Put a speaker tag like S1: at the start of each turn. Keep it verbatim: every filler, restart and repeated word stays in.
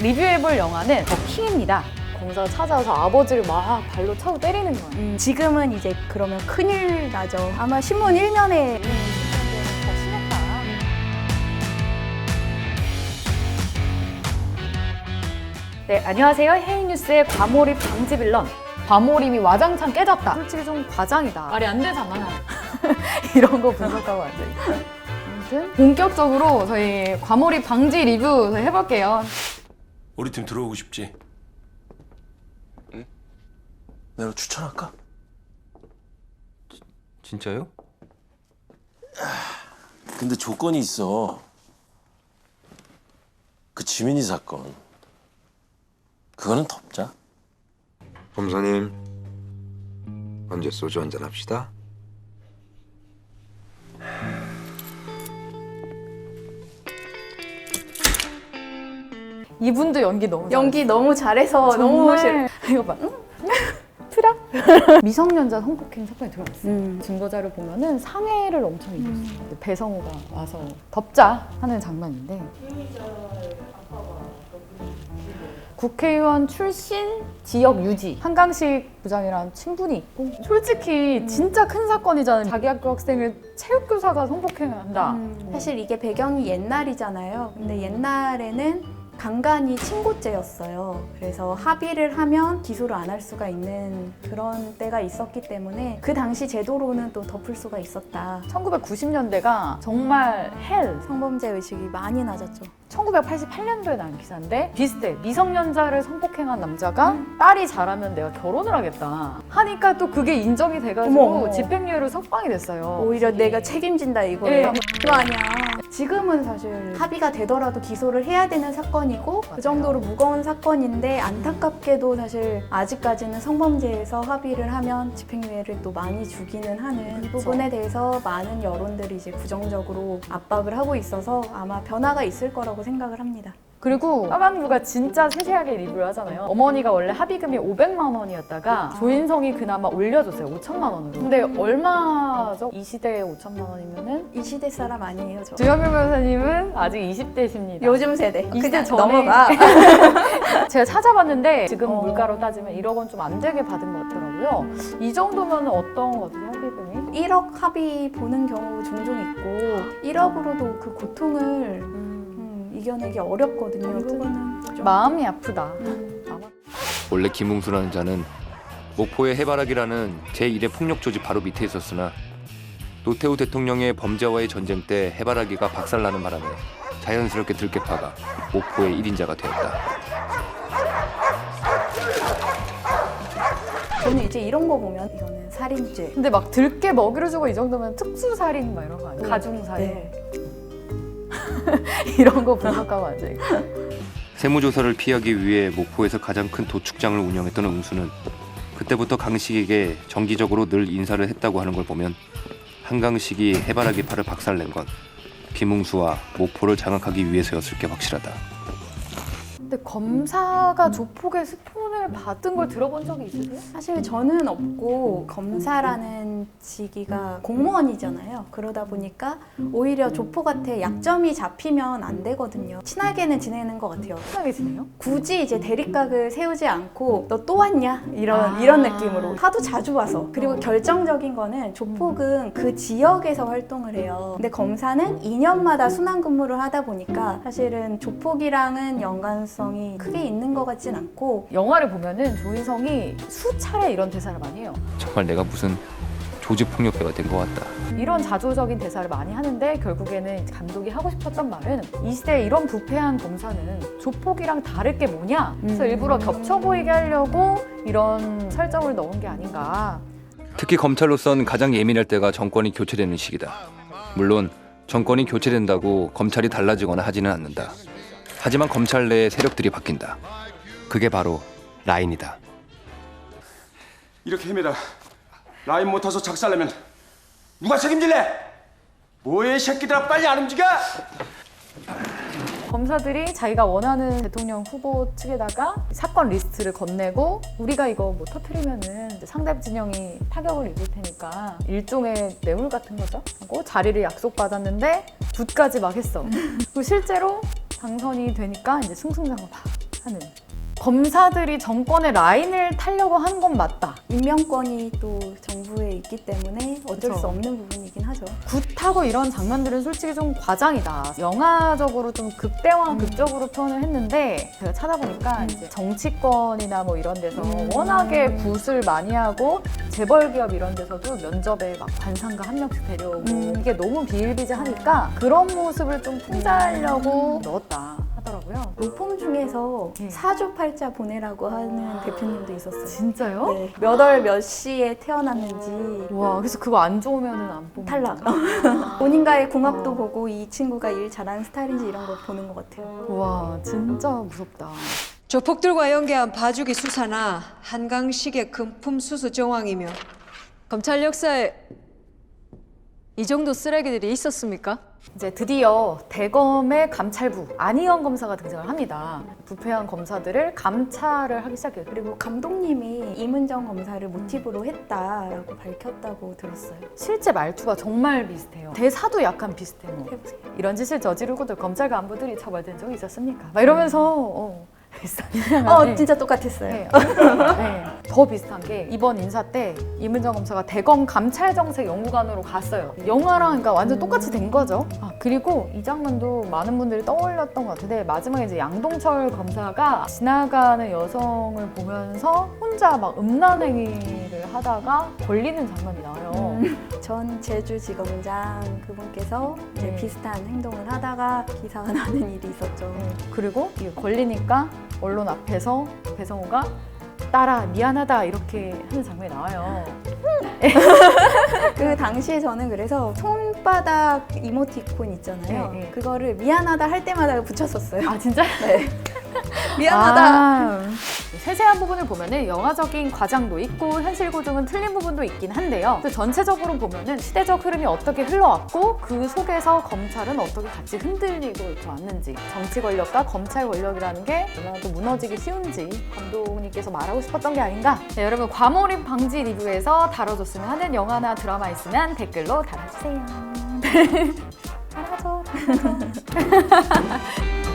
S1: 리뷰해볼 영화는 더 킹입니다. 검사가 찾아와서 아버지를 막 발로 차고 때리는 거예요.
S2: 음, 지금은 이제 그러면 큰일 나죠. 아마 신문 일면에
S1: 더 심했다. 네, 안녕하세요. 헤이뉴스의 과몰입 방지 빌런. 과몰입이 와장창 깨졌다. 솔직히 좀 과장이다.
S3: 말이 안 되잖아.
S1: 이런 거 분석하고 앉아있어요. 아무튼
S3: 본격적으로 저희 과몰입 방지 리뷰 저희 해볼게요.
S4: 우리 팀 들어오고 싶지? 응? 내가 추천할까?
S5: 진짜요?
S4: 근데 조건이 있어. 그 지민이 사건. 그거는 덮자.
S5: 검사님, 언제 소주 한잔 합시다.
S3: 이분도 연기 너무 잘해요.
S2: 연기 너무 잘해서 너무 싫어.
S1: 이거 봐. 응? 트라? 미성년자 성폭행 사건이 드러났어요.
S2: 음.
S1: 증거 자료 보면은 상해를 엄청 입었어요. 근데 배성우가 와서 덮자 하는 장면인데. 국회의원 출신 지역 유지 한강식 부장이랑 친분이 있고 솔직히 진짜 큰 사건이잖아요. 자기 학교 학생을 체육교사가 성폭행을 한다.
S2: 음, 사실 이게 배경이 옛날이잖아요. 근데 옛날에는 간간이 친고죄였어요. 그래서 합의를 하면 기소를 안 할 수가 있는 그런 때가 있었기 때문에 그 당시 제도로는 또 덮을 수가 있었다.
S1: 천구백구십 년대가 정말 헬.
S2: 성범죄 의식이 많이 낮았죠.
S1: 천구백팔십팔 년도에 난 기사인데 비슷해. 미성년자를 성폭행한 남자가 딸이 자라면 내가 결혼을 하겠다 하니까 또 그게 인정이 돼가지고
S2: 어머, 어머.
S1: 집행유예로 석방이 됐어요.
S2: 오히려 내가 책임진다 이거를.
S1: 예.
S2: 그거 아니야. 지금은 사실 합의가 되더라도 기소를 해야 되는 사건이고 그 정도로 무거운 사건인데 안타깝게도 사실 아직까지는 성범죄에서 합의를 하면 집행유예를 또 많이 주기는 하는 이 부분에 대해서 많은 여론들이 이제 부정적으로 압박을 하고 있어서 아마 변화가 있을 거라고 생각을 합니다.
S1: 그리고 까망부가 진짜 세세하게 리뷰를 하잖아요. 어머니가 원래 합의금이 오백만 원이었다가 조인성이 그나마 올려줬어요. 오천만 원으로. 근데 얼마죠? 이 시대에 오천만 원이면은?
S2: 이 시대 사람 아니에요, 저.
S1: 주영민 변호사님은 아직 이십 대십니다.
S2: 요즘 세대.
S1: 이 시대
S2: 그냥
S1: 전에
S2: 넘어가.
S1: 제가 찾아봤는데 지금
S2: 어.
S1: 물가로 따지면 일억 원 좀 안 되게 받은 것 같더라고요. 이 정도면 어떤 거지 합의금이?
S2: 일억 합의 보는 경우 종종 있고 일억으로도 그 고통을 음, 이겨내기 어렵거든요. 그거는 좀
S1: 마음이 아프다.
S5: 원래 김웅수라는 자는 목포의 해바라기라는 제일의 폭력 조직 바로 밑에 있었으나 노태우 대통령의 범죄와의 전쟁 때 해바라기가 박살나는 바람에 자연스럽게 들깨파가 목포의 일인자가 되었다.
S2: 저는 이제 이런 거 보면 이거는 살인죄.
S1: 근데 막 들깨 먹이를 주고 이 정도면 특수살인 막 이런 거 아니에요? 가중살인.
S2: 네.
S1: 이런 거 분석하고 앉아있고.
S5: 세무조사를 피하기 위해 목포에서 가장 큰 도축장을 운영했던 응수는 그때부터 강식에게 정기적으로 늘 인사를 했다고 하는 걸 보면 한강식이 해바라기파를 박살낸 건 김웅수와 목포를 장악하기 위해서였을 게 확실하다.
S1: 근데 검사가 조폭의 스폰을 받은 걸 들어본 적이 있으세요?
S2: 사실 저는 없고 검사라는 직위가 공무원이잖아요. 그러다 보니까 오히려 조폭한테 약점이 잡히면 안 되거든요. 친하게는 지내는 것 같아요.
S1: 편하게 지내요?
S2: 굳이 이제 대립각을 세우지 않고 너 또 왔냐? 이런
S1: 아.
S2: 이런 느낌으로 하도 자주 와서. 그리고 결정적인 거는 조폭은 그 지역에서 활동을 해요. 근데 검사는 이 년마다 순환 근무를 하다 보니까 사실은 조폭이랑은 연관성이 크게 있는 것 같진 않고
S1: 영화를 보면은 조인성이 수차례 이런 대사를 많이 해요.
S5: 정말 내가 무슨 조직폭력배가 된 것 같다.
S1: 이런 자조적인 대사를 많이 하는데 결국에는 감독이 하고 싶었던 말은 이 시대에 이런 부패한 검사는 조폭이랑 다를 게 뭐냐? 그래서
S2: 음.
S1: 일부러 겹쳐 보이게 하려고 이런 설정을 넣은 게 아닌가.
S5: 특히 검찰로선 가장 예민할 때가 정권이 교체되는 시기다. 물론 정권이 교체된다고 검찰이 달라지거나 하지는 않는다. 하지만 검찰 내의 세력들이 바뀐다. 그게 바로 라인이다.
S6: 이렇게 헤매다 라인 못 타서 작살내면 누가 책임질래? 뭐해 이 새끼들아, 빨리 안 움직여!
S1: 검사들이 자기가 원하는 대통령 후보 측에다가 사건 리스트를 건네고 우리가 이거 뭐 터뜨리면은 이제 상대 진영이 타격을 입을 테니까 일종의 뇌물 같은 거죠. 하고 자리를 약속받았는데 붓까지 막 했어. 그리고 실제로 당선이 되니까 이제 승승장구 막 하는. 검사들이 정권의 라인을 타려고 하는 건 맞다.
S2: 임명권이 또 정부에 있기 때문에 어쩔
S1: 그쵸.
S2: 수 없는 부분이긴 하죠.
S1: 굿하고 이런 장면들은 솔직히 좀 과장이다. 영화적으로 좀 극대화,
S2: 음.
S1: 극적으로 표현을 했는데 제가 찾아보니까
S2: 음.
S1: 이제 정치권이나 뭐 이런 데서
S2: 음.
S1: 워낙에 굿을 많이 하고 재벌 기업 이런 데서도 면접에 막 관상가 한 명씩 데려오고
S2: 음.
S1: 이게 너무 비일비재하니까 그런 모습을 좀 풍자하려고 넣었다 하더라고요.
S2: 로펌 중에서
S1: 네.
S2: 사주팔자 보내라고 하는 대표님도 있었어요.
S1: 진짜요?
S2: 네. 몇 월 몇 시에 태어났는지
S1: 와, 그래서 그거 안 좋으면은 안 뽑는
S2: 탈락.
S1: 거죠?
S2: 본인과의 궁합도
S1: 어.
S2: 보고 이 친구가 일 잘하는 스타일인지 이런 걸 보는 것 같아요.
S1: 와, 진짜 무섭다.
S7: 조폭들과 연계한 봐주기 수사나 한강식의 금품 수수 정황이며 검찰 역사에 이 정도 쓰레기들이 있었습니까?
S1: 이제 드디어 대검의 감찰부 안희영 검사가 등장을 합니다. 부패한 검사들을 감찰을 하기 시작해요. 그리고
S2: 그리고 감독님이 이문정 검사를 모티브로 했다라고 밝혔다고 들었어요.
S1: 실제 말투가 정말 비슷해요. 대사도 약간 비슷해요. 뭐.
S2: 해보세요.
S1: 이런 짓을 저지르고도 검찰 간부들이 처벌된 적이 있었습니까? 막 이러면서 어, 비슷한
S2: 어,
S1: 네.
S2: 진짜 똑같았어요.
S1: 네. 네. 더 비슷한 게 이번 인사 때 이문정 검사가 대검 감찰정책연구관으로 갔어요. 영화랑 그러니까 완전 똑같이 된 거죠. 아, 그리고 이 장면도 많은 분들이 떠올렸던 것 같은데 마지막에 이제 양동철 검사가 지나가는 여성을 보면서 혼자 막 음란행위를 하다가 걸리는 장면이 나와요.
S2: 음, 전 제주지검장 그분께서 이제
S1: 네.
S2: 비슷한 행동을 하다가 기사가 나는 일이 있었죠.
S1: 그리고 이게 걸리니까 언론 앞에서 배성우가 딸아 미안하다 이렇게 하는 장면이 나와요.
S2: 그 당시에 저는 그래서 손바닥 이모티콘 있잖아요.
S1: 네, 네.
S2: 그거를 미안하다 할 때마다 붙였었어요.
S1: 아 진짜?
S2: 네. 미안하다.
S1: 아, 세세한 부분을 보면은 영화적인 과장도 있고 현실 고증은 틀린 부분도 있긴 한데요. 또 전체적으로 보면은 시대적 흐름이 어떻게 흘러왔고 그 속에서 검찰은 어떻게 같이 흔들리고 이렇게 왔는지 정치 권력과 검찰 권력이라는 게 얼마나 또 무너지기 쉬운지 감독님께서 말하고 싶었던 게 아닌가. 네, 여러분 과몰입 방지 리뷰에서 다뤄줬으면 하는 영화나 드라마 있으면 댓글로 달아주세요. 달아줘. 달아줘.